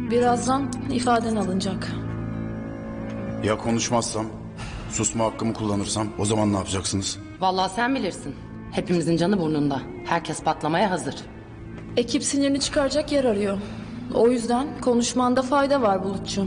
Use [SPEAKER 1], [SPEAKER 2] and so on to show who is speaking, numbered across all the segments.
[SPEAKER 1] Birazdan ifaden alınacak.
[SPEAKER 2] Ya konuşmazsam, susma hakkımı kullanırsam o zaman ne yapacaksınız?
[SPEAKER 3] Vallahi sen bilirsin. Hepimizin canı burnunda. Herkes patlamaya hazır.
[SPEAKER 1] Ekip sinirini çıkaracak yer arıyor. O yüzden konuşmanda fayda var Bulutçuğum.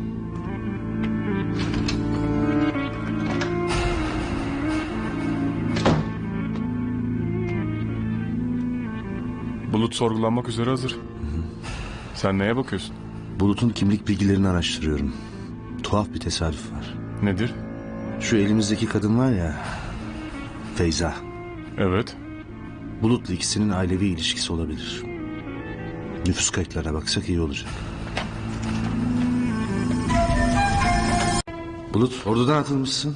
[SPEAKER 4] Bulut sorgulanmak üzere hazır. Sen neye bakıyorsun?
[SPEAKER 5] Bulut'un kimlik bilgilerini araştırıyorum. Tuhaf bir tesadüf var.
[SPEAKER 4] Nedir?
[SPEAKER 5] Şu elimizdeki kadın var ya, Feyza.
[SPEAKER 4] Evet.
[SPEAKER 5] Bulut'la ikisinin ailevi ilişkisi olabilir. Nüfus kayıtlarına baksak iyi olacak. Bulut, ordudan atılmışsın.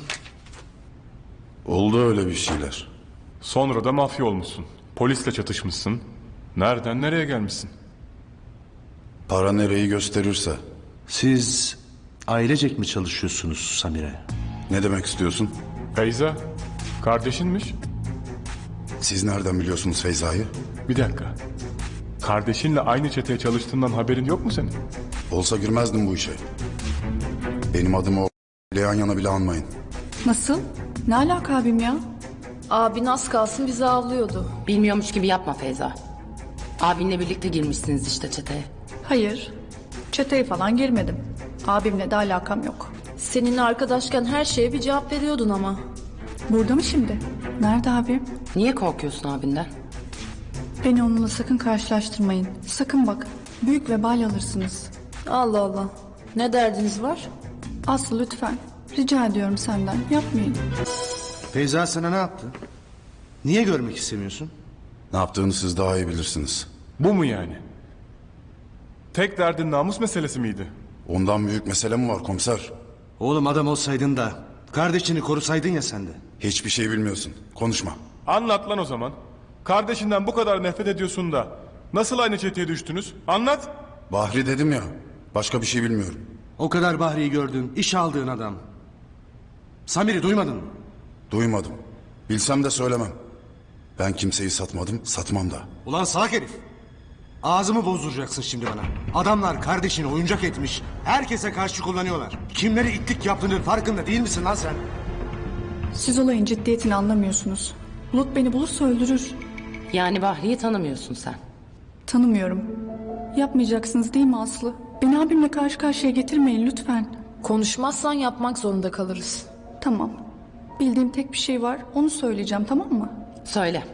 [SPEAKER 2] Oldu öyle bir şeyler.
[SPEAKER 4] Sonra da mafya olmuşsun. Polisle çatışmışsın. Nereden nereye gelmişsin?
[SPEAKER 2] Para nereyi gösterirse.
[SPEAKER 5] Siz ailecek mi çalışıyorsunuz Samire?
[SPEAKER 2] Ne demek istiyorsun?
[SPEAKER 4] Feyza, kardeşinmiş.
[SPEAKER 2] Siz nereden biliyorsunuz Feyza'yı?
[SPEAKER 4] Bir dakika. Kardeşinle aynı çeteye çalıştığından haberin yok mu senin?
[SPEAKER 2] Olsa girmezdim bu işe. Benim adımı o yan yana bile anmayın.
[SPEAKER 6] Nasıl? Ne alaka abim ya?
[SPEAKER 1] Abin az kalsın bizi avlıyordu.
[SPEAKER 3] Bilmiyormuş gibi yapma Feyza. Abinle birlikte girmişsiniz işte çeteye.
[SPEAKER 6] Hayır. Çeteye falan girmedim. Abimle de alakam yok.
[SPEAKER 1] Seninle arkadaşken her şeye bir cevap veriyordun ama.
[SPEAKER 6] Burada mı şimdi? Nerede abim?
[SPEAKER 3] Niye korkuyorsun abinden?
[SPEAKER 6] Beni onunla sakın karşılaştırmayın. Sakın bak. Büyük vebal alırsınız.
[SPEAKER 1] Allah Allah. Ne derdiniz var?
[SPEAKER 6] Aslı lütfen. Rica ediyorum senden. Yapmayın.
[SPEAKER 5] Feyza sana ne yaptı? Niye görmek istemiyorsun?
[SPEAKER 2] Ne yaptığını siz daha iyi bilirsiniz.
[SPEAKER 4] Bu mu yani? Tek derdin namus meselesi miydi?
[SPEAKER 2] Ondan büyük mesele mi var komiser?
[SPEAKER 5] Oğlum adam olsaydın da kardeşini korusaydın ya sen de.
[SPEAKER 2] Hiçbir şey bilmiyorsun. Konuşma.
[SPEAKER 4] Anlat lan o zaman. Kardeşinden bu kadar nefret ediyorsun da nasıl aynı çeteye düştünüz? Anlat.
[SPEAKER 2] Bahri dedim ya. Başka bir şey bilmiyorum.
[SPEAKER 5] O kadar Bahri'yi gördün, iş aldığın adam. Samir'i duymadın mı?
[SPEAKER 2] Duymadım. Bilsem de söylemem. Ben kimseyi satmadım, satmam da.
[SPEAKER 5] Ulan salak herif. Ağzımı bozduracaksın şimdi bana. Adamlar kardeşini oyuncak etmiş. Herkese karşı kullanıyorlar. Kimleri itlik yaptığının farkında değil misin lan sen?
[SPEAKER 6] Siz olayın ciddiyetini anlamıyorsunuz. Bulut beni bulursa öldürür.
[SPEAKER 3] Yani Bahri'yi tanımıyorsun sen.
[SPEAKER 6] Tanımıyorum. Yapmayacaksınız değil mi Aslı? Beni abimle karşı karşıya getirmeyin lütfen.
[SPEAKER 1] Konuşmazsan yapmak zorunda kalırız.
[SPEAKER 6] Tamam. Bildiğim tek bir şey var. Onu söyleyeceğim, tamam mı?
[SPEAKER 3] Söyle.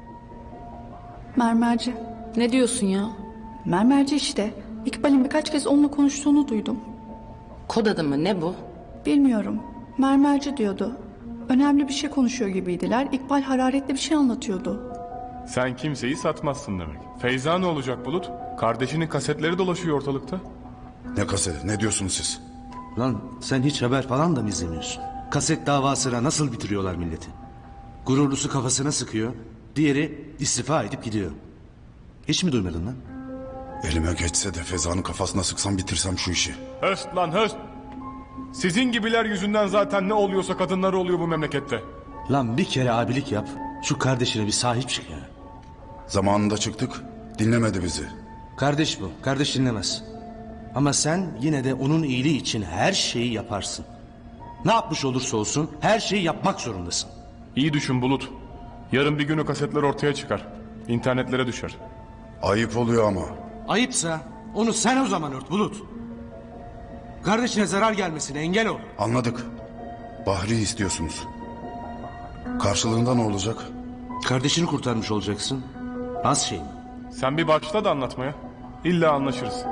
[SPEAKER 6] Mermerci.
[SPEAKER 1] Ne diyorsun ya?
[SPEAKER 6] Mermerci işte. İkbal'in birkaç kez onunla konuştuğunu duydum.
[SPEAKER 3] Kod adı mı ne bu?
[SPEAKER 6] Bilmiyorum. Mermerci diyordu. Önemli bir şey konuşuyor gibiydiler. İkbal hararetli bir şey anlatıyordu.
[SPEAKER 4] Sen kimseyi satmazsın demek. Feyza ne olacak Bulut? Kardeşinin kasetleri dolaşıyor ortalıkta.
[SPEAKER 2] Ne kaseti, ne diyorsunuz siz?
[SPEAKER 5] Lan sen hiç haber falan da mı izlemiyorsun? Kaset davasına nasıl bitiriyorlar milleti? Gururlusu kafasına sıkıyor, diğeri istifa edip gidiyor. Hiç mi duymadın lan?
[SPEAKER 2] Elime geçse de Feza'nın kafasına sıksam bitirsem şu işi.
[SPEAKER 4] Höst lan höst. Sizin gibiler yüzünden zaten ne oluyorsa kadınları oluyor bu memlekette.
[SPEAKER 5] Lan bir kere abilik yap, şu kardeşine bir sahip çık ya.
[SPEAKER 2] Zamanında çıktık, dinlemedi bizi.
[SPEAKER 5] Kardeş bu, kardeş dinlemez. Ama sen yine de onun iyiliği için her şeyi yaparsın. Ne yapmış olursa olsun her şeyi yapmak zorundasın.
[SPEAKER 4] İyi düşün Bulut. Yarın bir gün o kasetler ortaya çıkar. İnternetlere düşer.
[SPEAKER 2] Ayıp oluyor ama.
[SPEAKER 5] Ayıpsa onu sen o zaman ört Bulut. Kardeşine zarar gelmesine engel ol.
[SPEAKER 2] Anladık. Bahri istiyorsunuz. Karşılığında ne olacak?
[SPEAKER 5] Kardeşini kurtarmış olacaksın. Az şey mi?
[SPEAKER 4] Sen bir başla da anlatmaya. İlla anlaşırız.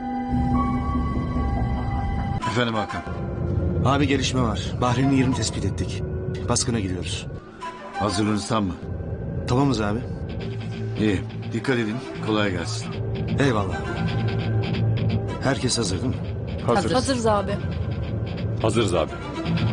[SPEAKER 7] Efendim Hakan.
[SPEAKER 5] Abi gelişme var. Bahri'nin yerini tespit ettik. Baskına gidiyoruz.
[SPEAKER 7] Hazırlığınız tam mı?
[SPEAKER 5] Tamamız abi.
[SPEAKER 7] İyi. Dikkat edin. Kolay gelsin.
[SPEAKER 5] Eyvallah. Herkes hazır değil mi?
[SPEAKER 4] Hazır.
[SPEAKER 1] Hazırız abi.
[SPEAKER 8] Hazırız abi.